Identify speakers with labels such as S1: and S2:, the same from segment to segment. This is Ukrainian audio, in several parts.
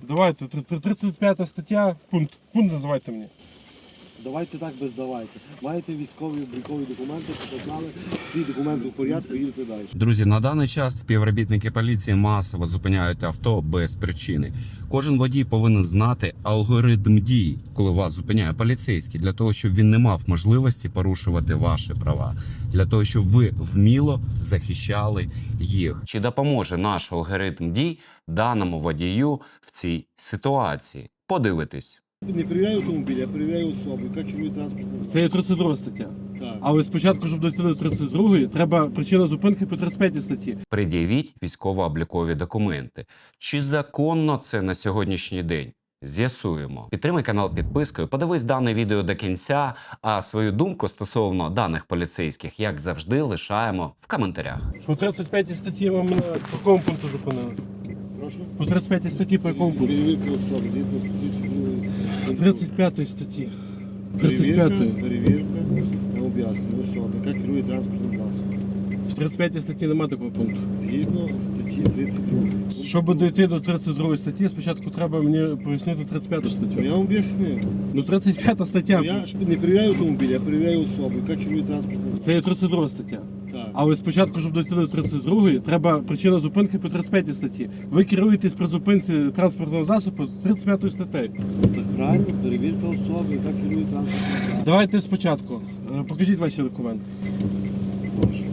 S1: Давайте, 35 стаття, пункт називайте мені.
S2: Давайте так без давайте. Маєте військові облікові документи, показали, всі документи в порядку, їдете далі.
S3: Друзі, на даний час співробітники поліції масово зупиняють авто без причини. Кожен водій повинен знати алгоритм дій, коли вас зупиняє поліцейський, для того, щоб він не мав можливості порушувати ваші права, для того, щоб ви вміло захищали їх. Чи допоможе наш алгоритм дій даному водію в цій ситуації? Подивитись.
S2: Не перевіряю автомобіль, я перевіряю особу, яка керує транспортним.
S1: Це є 32 стаття.
S2: Так.
S1: Але спочатку, щоб дойти до 32-ї, треба причина зупинки по 35 статті.
S3: Пред'явіть військово-облікові документи. Чи законно це на сьогоднішній день? З'ясуємо. Підтримай канал підпискою, подивись дане відео до кінця, а свою думку стосовно даних поліцейських, як завжди, лишаємо в коментарях.
S1: По 35 статті ви мене по якому пункту зупинили?
S2: Прошу?
S1: По 35 статті по якому пункту?
S2: Перевірка особи, згідно з 32.
S1: З 35 статті.
S2: Перевірка,
S1: 35-ї.
S2: перевірка, я об'яснюю, особи, яка керує транспортним засобом.
S1: В 35 статті немає такого пункту.
S2: Згідно статті 32.
S1: Щоб дойти до 32 статті, спочатку треба мені пояснити 35 статтю.
S2: Я вам об'яснив.
S1: Ну 35 стаття.
S2: Я ж не перевіряю автомобіль, я перевіряю особу, яка керує транспортним засобом.
S1: Це є 32 стаття.
S2: Так.
S1: Але спочатку, щоб дойти до 32-ї, треба причина зупинки по 35 статті. Ви керуєтесь при зупинці транспортного засобу 35 статтею.
S2: Так правильно, перевірка особи, яка керує транспортним засобом.
S1: Давайте спочатку. Покажіть ваші документи.
S2: Прошу.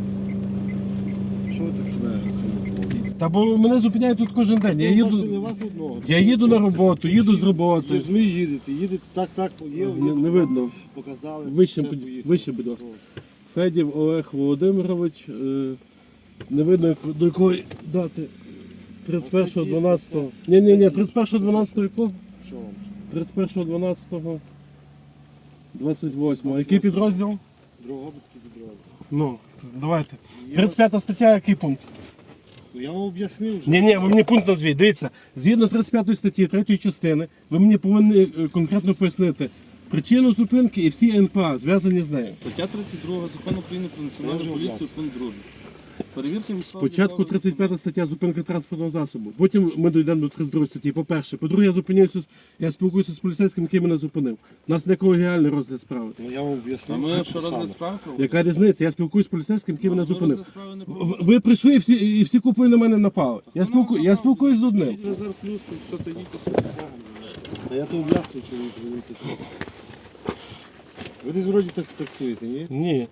S2: Що ви так себе агресивно поводите?
S1: Та бо мене зупиняють тут кожен день. Я
S2: Бачите, не
S1: їду,
S2: вас одного.
S1: я їду на роботу, їду з роботи.
S2: Розумію, їдете, так, є.
S1: Не видно.
S2: Показали.
S1: Вище,
S2: все, поїхали.
S1: вище, будь ласка.
S2: Прошу.
S1: Федів Олег Володимирович. Не видно до якої дати. 31.12. Ні, 31.12 якого?
S2: Що вам?
S1: 31.12. 28. Який підрозділ?
S2: Дрогобицький підрозділ.
S1: Ну, давайте.
S2: Я
S1: 35 стаття, який пункт?
S2: Ну, я вам об'яснив вже.
S1: Ні, ви мені пункт назвіть. Дивіться, згідно 35 статті 3 частини, ви мені повинні конкретно пояснити причину зупинки і всі НПА, зв'язані з нею.
S4: Стаття 32 Закону України про
S2: Я вже
S4: національну поліцію,
S2: об'яснив.
S4: пункт 2. Перевірте
S1: Спочатку 35 стаття зупинка транспортного засобу. Потім ми дійдемо до 32 статті. По-перше. По-друге, я спілкуюся з поліцейським, який мене зупинив. У нас не колегіальний розгляд справи.
S2: Ну, я вам
S4: А
S2: об'яснив.
S4: ми що
S2: саме.
S4: розгляд справ проводимо?
S1: Яка різниця? Я спілкуюся з поліцейським, який мене
S4: Ми
S1: зупинив.
S4: розгляд справи не
S1: В-
S4: проводимо.
S1: Ви прийшли і всі купою на мене напали. Я спілкуюсь з одним.
S4: Резерв плюс, то все, то їдьте собі.
S2: Та я то об'яснив, чоловік, розумієте. Ви десь вроді так таксуєте, ні?
S1: Ні.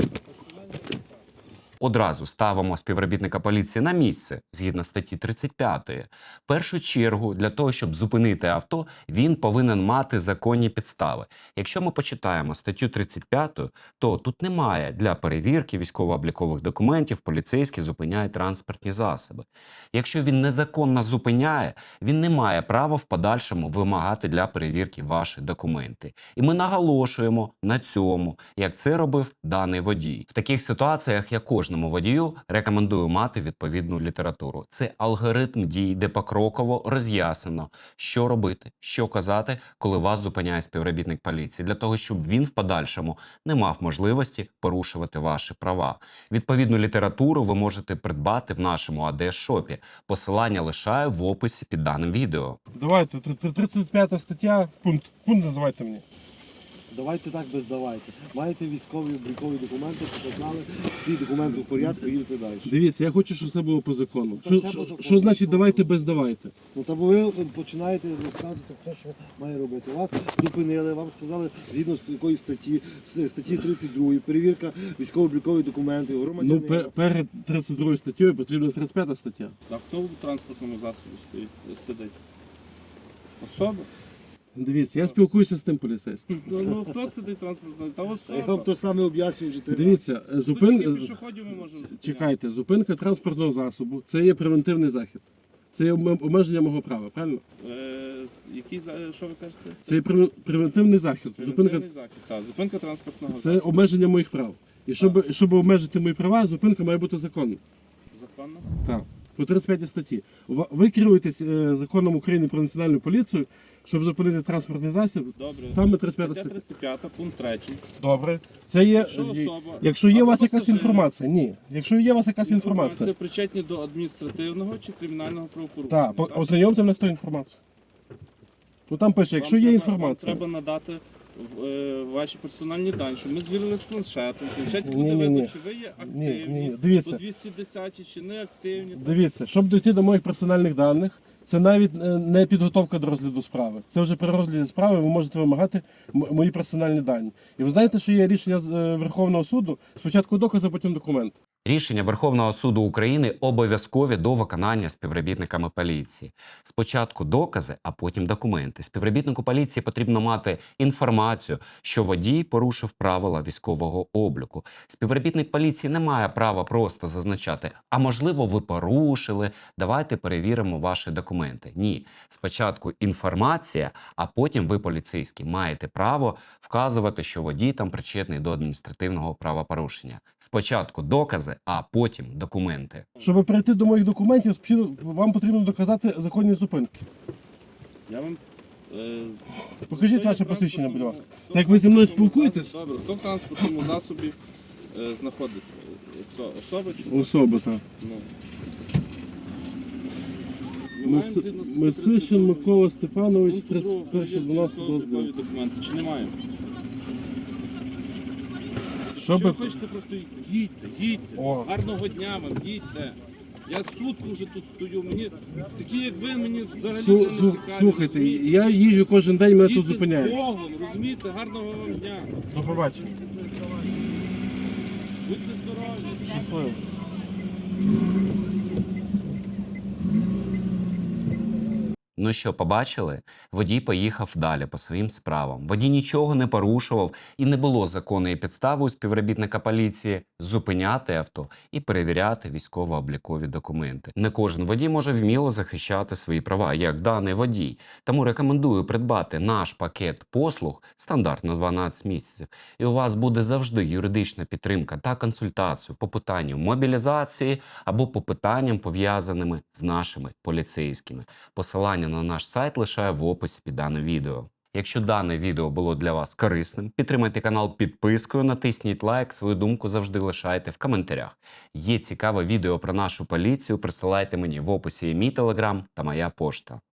S3: Одразу ставимо співробітника поліції на місце, згідно статті 35. В першу чергу, для того, щоб зупинити авто, він повинен мати законні підстави. Якщо ми почитаємо статтю 35, то тут немає для перевірки військово-облікових документів, поліцейські зупиняють транспортні засоби. Якщо він незаконно зупиняє, він не має права в подальшому вимагати для перевірки ваші документи. І ми наголошуємо на цьому, як це робив даний водій. В таких ситуаціях я кожному водію рекомендую мати відповідну літературу. Це алгоритм дій, де покроково роз'яснено, що робити, що казати, коли вас зупиняє співробітник поліції, для того, щоб він в подальшому не мав можливості порушувати ваші права. Відповідну літературу ви можете придбати в нашому АД-шопі. Посилання лишаю в описі під даним відео.
S1: Давайте, 35 стаття, пункт називайте мені.
S2: Давайте так без давайте. Маєте військові облікові документи, показали, всі документи в порядку, їдете далі.
S1: Дивіться, я хочу, щоб все було по закону.
S2: Та все по закону.
S1: Що значить давайте без давайте?
S2: Ну та бо ви починаєте розказувати, хто що має робити. Вас зупинили, вам сказали, згідно з якої статті, з статті 32, перевірка військово-облікові документи,
S1: Ну,
S2: громадянина.
S1: перед 32 статтею потрібна 35 стаття.
S4: А хто в транспортному засобі сидить? Особа?
S1: Дивіться, я спілкуюся з тим поліцейським.
S4: Ну хто сидить в транспортному? Та
S2: Я вам
S4: особа.
S2: то саме об'яснюю вже три рази.
S1: Дивіться,
S4: Зупинка пішоходів ми можемо зупиняти.
S1: чекайте, зупинка транспортного засобу – це є превентивний захід. Це є обмеження мого права, правильно?
S4: Що ви кажете?
S1: Це є превентивний захід. Зупинка
S4: Превентивний захід. Так, зупинка транспортного
S1: це обмеження моїх прав. І щоб обмежити мої права, зупинка має бути законна.
S4: Законно?
S1: Так. По 35 статті. Ви керуєтесь законом України про національну поліцію, щоб зупинити транспортний засіб,
S4: Добре.
S1: саме 35
S4: Стаття
S1: стаття.
S4: 35, пункт 3.
S1: Добре. Це є, якщо є у вас якась інформація, ні. Якщо є у вас якась
S4: Це
S1: інформація,
S4: причетні до адміністративного чи кримінального правопорушення.
S1: так, ознайомте мене з тою інформацією. Ну там пише, якщо є інформація.
S4: Вам треба надати ваші персональні дані, щоб ми звірили з планшетом. В планшеті
S1: Ні,
S4: буде
S1: ні,
S4: видно,
S1: ні.
S4: чи ви є
S1: Ні,
S4: активні,
S1: ні, ні. Дивіться.
S4: по 210 чи не активні.
S1: Дивіться, щоб дійти до моїх персональних даних, це навіть не підготовка до розгляду справи. Це вже при розгляді справи ви можете вимагати мої персональні дані. І ви знаєте, що є рішення з Верховного суду, спочатку докази, потім документи.
S3: Рішення Верховного суду України обов'язкові до виконання співробітниками поліції. Спочатку докази, а потім документи. Співробітнику поліції потрібно мати інформацію, що водій порушив правила військового обліку. Співробітник поліції не має права просто зазначати, а можливо ви порушили, давайте перевіримо ваші документи. Ні, спочатку інформація, а потім ви, поліцейські, маєте право вказувати, що водій там причетний до адміністративного правопорушення. Спочатку докази, а потім документи.
S1: Щоб перейти до моїх документів, вам потрібно доказати законні зупинки.
S4: Я вам...
S1: Покажіть
S4: хто є
S1: ваше посвідчення, будь
S4: транспортному-
S1: ласка.
S4: хто
S1: Так як ви зі мною
S4: в транспортному
S1: спілкуєтесь?
S4: засобі- Добре, хто в транспортному засобі знаходиться? Хто? Особа чи хто?
S1: Особа, так.
S4: Ну. Ми маємо згідно статті
S1: Месишин
S4: 32
S1: Микола Степанович,
S4: пункту 2
S1: 31 12
S4: військово-облікові документи. Чи не маємо? Що ви
S1: Щоб...
S4: хочете просто їдьте, їдьте.
S1: О.
S4: Гарного дня вам, їдьте. Я сутку вже тут стою, мені такі як ви, мені взагалі не цікаві.
S1: Слухайте,
S4: розумієте?
S1: я їжджу кожен день, мене тут
S4: Їдьте з
S1: зупиняють.
S4: Богом, розумієте, гарного вам дня.
S1: До побачення.
S4: Будьте здорові.
S1: Щасливо.
S3: Ну що, побачили? Водій поїхав далі по своїм справам. Водій нічого не порушував і не було законної підстави у співробітника поліції зупиняти авто і перевіряти військово-облікові документи. Не кожен водій може вміло захищати свої права, як даний водій. Тому рекомендую придбати наш пакет послуг стандарт на 12 місяців. І у вас буде завжди юридична підтримка та консультацію по питанню мобілізації або по питанням, пов'язаними з нашими поліцейськими. Посилання на наш сайт лишаю в описі під даним відео. Якщо дане відео було для вас корисним, підтримайте канал підпискою, натисніть лайк, свою думку завжди лишайте в коментарях. Є цікаве відео про нашу поліцію, присилайте мені в описі мій телеграм та моя пошта.